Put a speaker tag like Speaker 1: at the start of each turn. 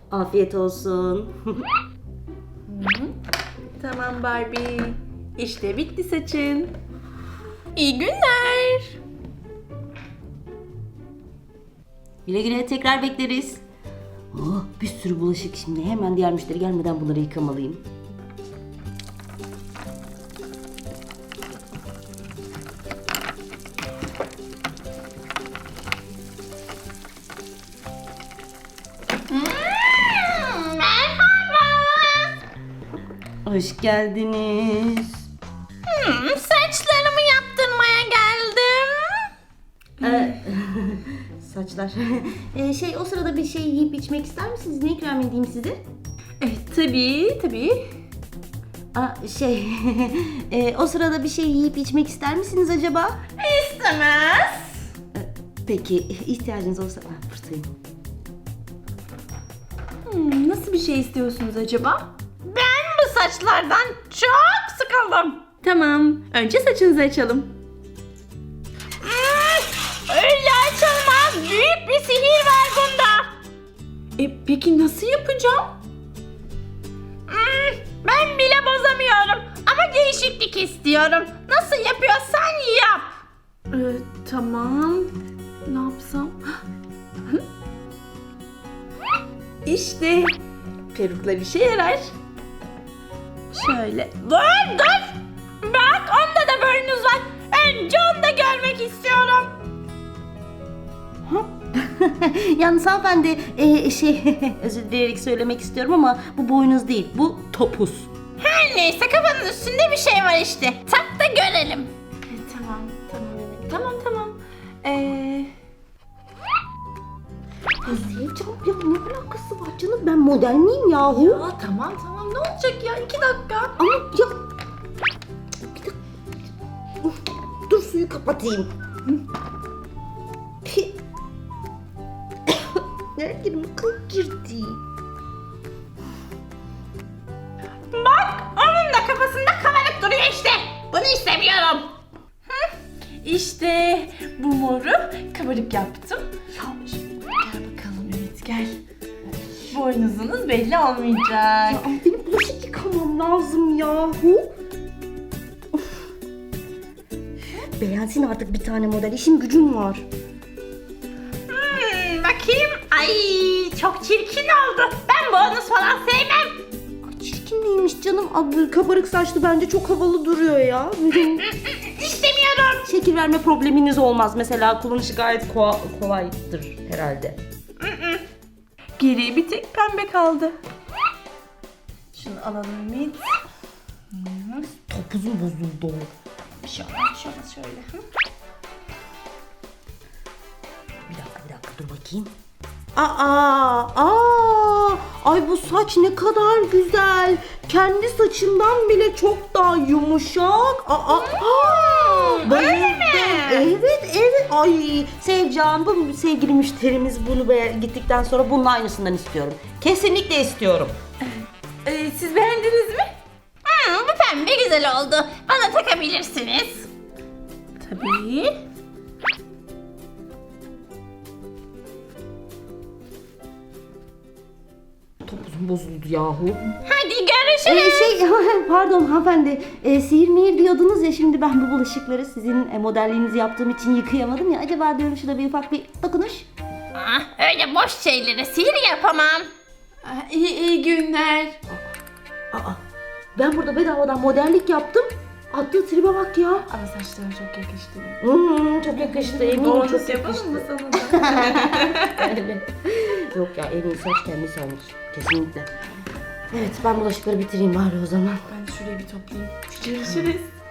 Speaker 1: Afiyet olsun.
Speaker 2: Tamam Barbie. İşte bitti saçın. İyi günler.
Speaker 1: Güle güle, tekrar bekleriz. Oh, bir sürü bulaşık şimdi. Hemen diğer müşteri gelmeden bunları yıkamalıyım.
Speaker 3: Merhaba.
Speaker 1: Hoş geldiniz.
Speaker 3: Saçlarımı yaptırmaya geldim.
Speaker 1: Saçlar. O sırada bir şey yiyip içmek ister misiniz? Ne ikram edeyim size?
Speaker 2: Tabii.
Speaker 1: O sırada bir şey yiyip içmek ister misiniz acaba?
Speaker 3: İstemez.
Speaker 1: Peki, ihtiyacınız olsa buradayım.
Speaker 2: Nasıl bir şey istiyorsunuz acaba?
Speaker 3: Ben bu saçlardan çok sıkıldım.
Speaker 2: Tamam. Önce saçınızı açalım.
Speaker 3: Öyle açılmaz. Büyük bir sihir var bunda.
Speaker 2: Peki nasıl yapacağım?
Speaker 3: Ben bile bozamıyorum. Ama değişiklik istiyorum. Nasıl yapıyorsan yap.
Speaker 2: Tamam. Ne yapsam? İşte perukla bir şey yarar. Şöyle.
Speaker 3: Dur. Bak onda da burnunuz var. Önce onu da görmek istiyorum.
Speaker 1: Yalnız hanımefendi, özür dileyerek söylemek istiyorum ama bu boynuz değil, bu topuz.
Speaker 3: Her neyse kafanın üstünde bir şey var işte. Tak da görelim.
Speaker 2: Tamam Ümit. Tamam.
Speaker 1: Sevcan, ya ne alakası var canım? Ben model miyim yahu?
Speaker 2: Tamam. Ne olacak ya? 2 dakika.
Speaker 1: Ama ya... Bir dakika. Dur suyu kapatayım. Nereye girdi? Kıl girdi.
Speaker 3: Bak onun da kafasında kabarık duruyor işte. Bunu istemiyorum.
Speaker 2: İşte bu moru kabarık yaptım. Gel bakalım Ümit gel. Boynuzunuz belli olmayacak.
Speaker 1: Ya ama benim bulaşık yıkamam lazım yahu. Of. Beğensin artık bir tane model. İşim gücüm var.
Speaker 3: Bakayım. Ay çok çirkin oldu. Ben bonus falan sevmem.
Speaker 1: Ay, çirkin neymiş canım? Abi, kabarık saçlı bence çok havalı duruyor ya.
Speaker 3: İstemiyorum.
Speaker 1: Şekil verme probleminiz olmaz. Mesela kullanışı gayet kolaydır herhalde.
Speaker 2: Geriye bir tek pembe kaldı. Şunu alalım Ümit.
Speaker 1: Topuzum bozuldu.
Speaker 2: Bir şey olmaz şöyle.
Speaker 1: Bir dakika dur bakayım. Ay bu saç ne kadar güzel. Kendi saçımdan bile çok daha yumuşak.
Speaker 3: Öyle mi?
Speaker 1: Evet. Ay Sevcan, bu sevgili müşterimiz bunu gittikten sonra bunun aynısından istiyorum. Kesinlikle istiyorum.
Speaker 2: Siz beğendiniz mi?
Speaker 3: Bu pembe güzel oldu. Bana takabilirsiniz.
Speaker 2: Tabii.
Speaker 1: Topuzum bozuldu yahu.
Speaker 3: Hadi görüşürüz.
Speaker 1: Pardon hanımefendi, sihir mihir diyordunuz ya, şimdi ben bu bulaşıkları sizin modelliğinizi yaptığım için yıkayamadım ya. Acaba diyorum şurada bir ufak bir dokunuş.
Speaker 3: Öyle boş şeylere sihir yapamam.
Speaker 2: İyi günler.
Speaker 1: Ben burada bedavadan modellik yaptım. Attığı tribe bak ya.
Speaker 2: Ama saçlarım çok yakıştı.
Speaker 1: Çok yakıştı, eminim
Speaker 2: Bonus
Speaker 1: çok
Speaker 2: yapalım
Speaker 1: yakıştı.
Speaker 2: mı sana da?
Speaker 1: Evet. Yok ya, en iyi saç kendisi olmuş. Kesinlikle. Evet, ben bulaşıkları bitireyim bari o zaman.
Speaker 2: Ben şurayı bir toplayayım. Görüşürüz.